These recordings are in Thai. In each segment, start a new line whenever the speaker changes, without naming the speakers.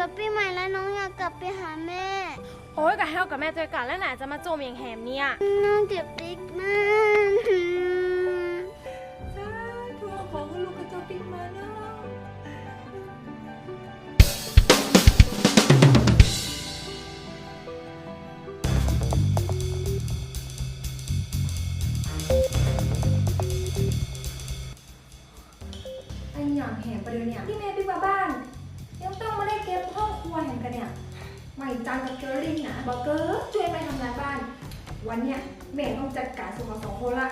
กับปีใหม่แล้วน้องอยากกลับไปหาแม่
โอ้ยกับเฮากับแม่เจอกันแล้วไหนจะมาโจมอย่างแหมเนี่ย
น้องเก็บปิ๊กมาก
สาธุของลูกกระจกปิ๊กมาเนาะไอ้หยางแหมประเดี๋ยวเนี่ยที่แม่ปิ๊กมาบ้านยังต้องมาได้เก็บห้องครัวแห่งกันเนี่ยใหม่จังกับเกอรินนะบอกเกอร์ช่วยแม่ทำงานบ้านวันเนี้ยแม่ต้องจัดการส่วนของ2 คนละ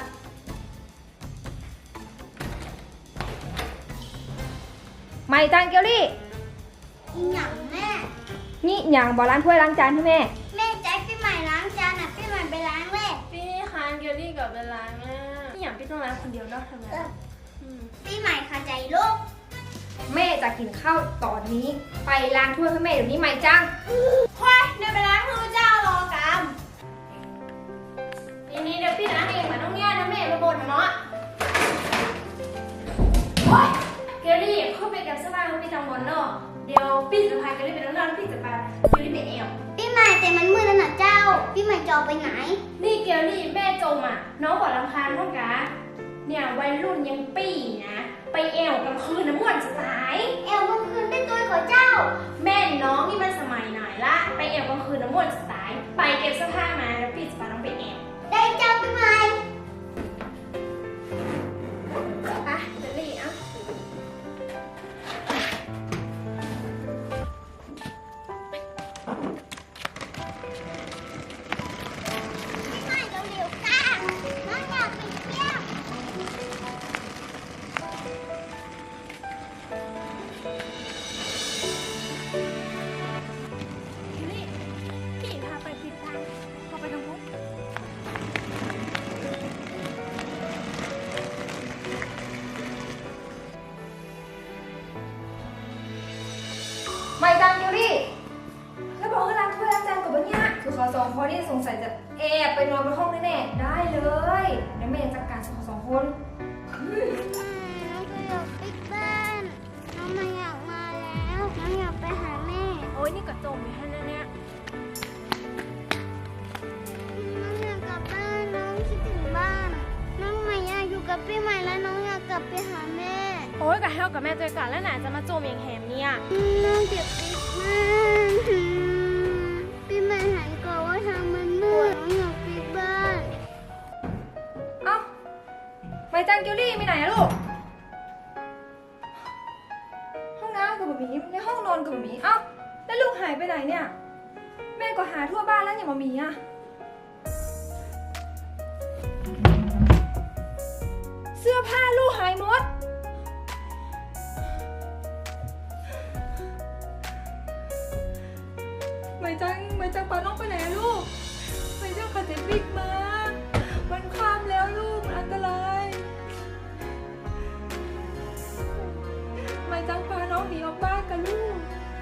ใหม่จังเกอรี่
หยังแม่
นี่หยางบอกล้างถ้วยล้างจานให้แม่
แม่ใจปีใหม่ล้างจานปีใหม่ไปล้างเลย
พี่คานเกลลี่กับเวลาแม่พี่อย่างพี่ต้องล้างคนเดียวเนาะทำไม
ปีใหม่ค่ะใจลูก
แม่จะกินข้าวตอนนี้ไปล้างถ้วยให้แม่เดี๋ยวนี้ใหม่จัง
ค่อยเดี๋ยวไปล้างมือเจ้ารอกรรม
นี่เดี๋ยวพี่ล้างเองมาต้องแย่นะแม่มาบ่นเนาะ
โอ๊ย
เกลลี่เข้าไปกับเสื้อผ้าเขาไปทำบอลเนาะเดี๋ยวพี่จะพาเกลลี่ไปน้องๆพี่จะพาเกลลี่ไปแอว
ปีใหม่แต่มันมืดแล้วนะเจ้าปีใหม่จะออกไปไหน
นี่เกลลี่แม่จมน้องบอกรำคาญพ่อกะเนี่ยวัยรุ่นยังปี้นะไปแอวกลางคืนน้ำม่วนจะตาย
แอลกลางคืนได้ตัวของเจ้า
แม่น้องนี่มันสมัยไหนละไปแอวกลางคืนน้ำม่วนจะตายไปเก็บเสื้อผ้ามาแล้วพี่จะพาน้องไปแอว
ได้เจ้าปีใหม่
ไปเกลลี่อ่ะ
ปีใหม่เร็วๆจ้าน้องอยากไปเที่ยว
นี่พี่พาไปผิดทางพาไปทางพุทธ
ใหม่จังเกอรี่แล้วบอกให้ล้างถ้วยล้างจานกับวันเนี้ยคือขอ2 คนนี่สงสัยจะแอบไปนอนบนห้องแน่ๆได้เลยเดี๋ยวแม่จัดการส่วนของ2 คน
น้องก็อยากปิดบ้านน้องไม่อยากมาแล้วน้องอยากไปหาแม่
โอ้ยนี่ก็จมอยู่แค่นั้นเนี่ย
น้องอยากกลับบ้านน้องคิดถึงบ้านน้องไม่อยากอยู่กับพี่ใหม่แล้วน้องอยากกลับไปหาแม่
โอ้ยกับเฮากับแม่เจอกันแล้วไหนจะมาโจมอย่างแหมเนี่ย
น้องเจ็บปิ๊กมากพี่ใหม่หันก่อนว่าทางมันมืดน้องอยากปิดบ้าน
เอ้าใหม่จังเกอรี่ไปไหนอะลูกห้องน้ำกับหมีในห้องนอนกับหมีเอ้าแล้วลูกหายไปไหนเนี่ยแม่ก็หาทั่วบ้านแล้วอย่างหมีอะเสื้อผ้าลูกหายหมดไม่จังปาน้องไปไหนลูกไม่จังขัดเจ็บวิกมามันข้ามแล้วลูกมันอันตรายไม่จังพาน้องหนีออกบ้านกันลูก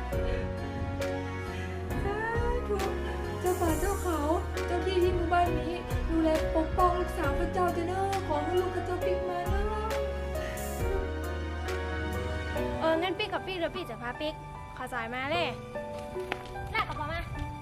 สาธุเจ้าป่าเจ้าเขาเจ้าที่หมู่บ้านนี้ดูแลปกป้องรักษาพระเจ้าเจ้าเนอะขอให้ลูกกระเจ้าปิ๊กมาเนอะ
งั้นปิ๊กกับปิ๊กเดี๋ยวปิ๊กจะพาปิ๊กขอสายมาเลยลากกระเป๋ามา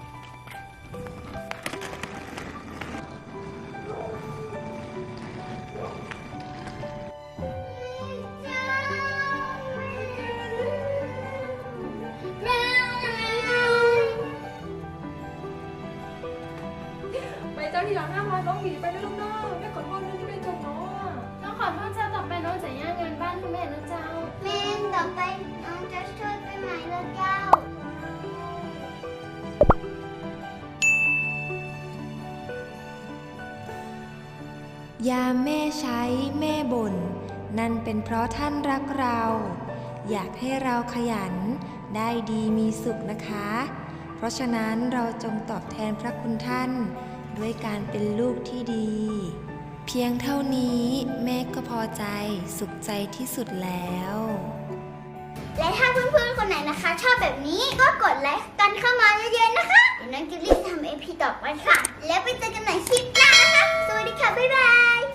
ไปเจ้าที่หลังห้ามพาน้องหนีไปนะลูกเนอะแม่ขอโทษนะที่แม่จมน้องอะ
น้องขอโทษเจ้าต่อไปน้องจะย่างเงินบ้านคุณแม่นะเจ้า
แม่ต่อไปน้องจะช่วยพี่ใหม่แล้วเจ้า
ยามแม่ใช้แม่บ่นนั่นเป็นเพราะท่านรักเราอยากให้เราขยันได้ดีมีสุขนะคะเพราะฉะนั้นเราจงตอบแทนพระคุณท่านด้วยการเป็นลูกที่ดีเพียงเท่านี้แม่ก็พอใจสุขใจที่สุดแล้ว
และถ้าเพื่อนๆคนไหนนะคะ ชอบแบบนี้ก็กดไลค์กันเข้ามาเยอะๆนะคะเดี๋ยวน้องกิลลี่ทำ AP ต่อไปค่ะ แล้วไปเจอกันใหม่คลิปหน้านะคะ สวัสดีค่ะ บ๊ายบาย